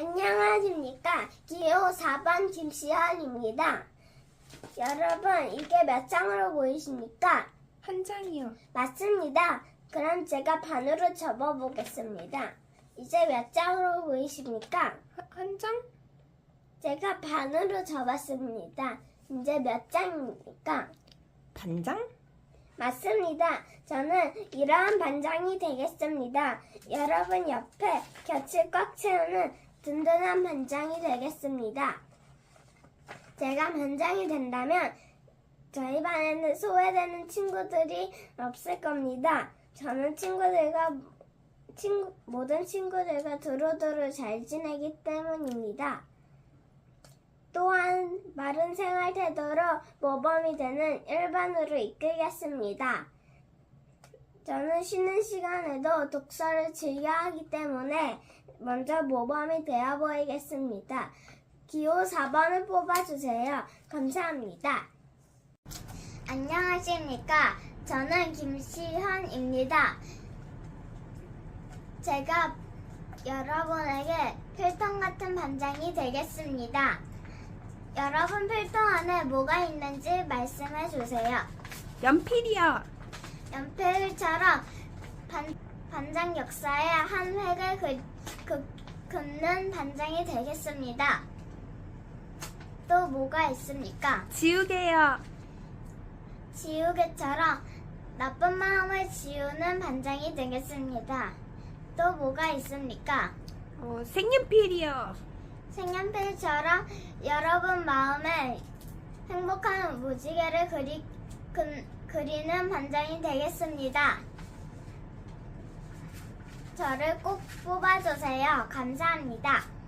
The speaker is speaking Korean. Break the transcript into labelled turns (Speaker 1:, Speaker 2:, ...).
Speaker 1: 안녕하십니까. 기호 4번 김시현입니다. 여러분, 이게 몇 장으로 보이십니까?
Speaker 2: 한 장이요.
Speaker 1: 맞습니다. 그럼 제가 반으로 접어보겠습니다. 이제 몇 장으로 보이십니까?
Speaker 2: 한 장?
Speaker 1: 제가 반으로 접었습니다. 이제 몇 장입니까?
Speaker 2: 반장?
Speaker 1: 맞습니다. 저는 이러한 반장이 되겠습니다. 여러분 옆에 곁을 꽉 채우는 든든한 반장이 되겠습니다. 제가 반장이 된다면 저희 반에는 소외되는 친구들이 없을 겁니다. 저는 모든 친구들과 두루두루 잘 지내기 때문입니다. 또한 바른 생활 태도로 모범이 되는 일반으로 이끌겠습니다. 저는 쉬는 시간에도 독서를 즐겨 하기 때문에 먼저 모범이 되어 보이겠습니다. 기호 4번을 뽑아주세요. 감사합니다. 안녕하십니까. 저는 김시현입니다. 제가 여러분에게 필통 같은 반장이 되겠습니다. 여러분 필통 안에 뭐가 있는지 말씀해 주세요.
Speaker 2: 연필이요.
Speaker 1: 연필처럼 반장 역사의 한 획을 긋는 반장이 되겠습니다. 또 뭐가 있습니까?
Speaker 2: 지우개요.
Speaker 1: 지우개처럼 나쁜 마음을 지우는 반장이 되겠습니다. 또 뭐가 있습니까?
Speaker 2: 색연필이요.
Speaker 1: 색연필처럼 여러분 마음에 행복한 무지개를 그리는 반장이 되겠습니다. 저를 꼭 뽑아주세요. 감사합니다.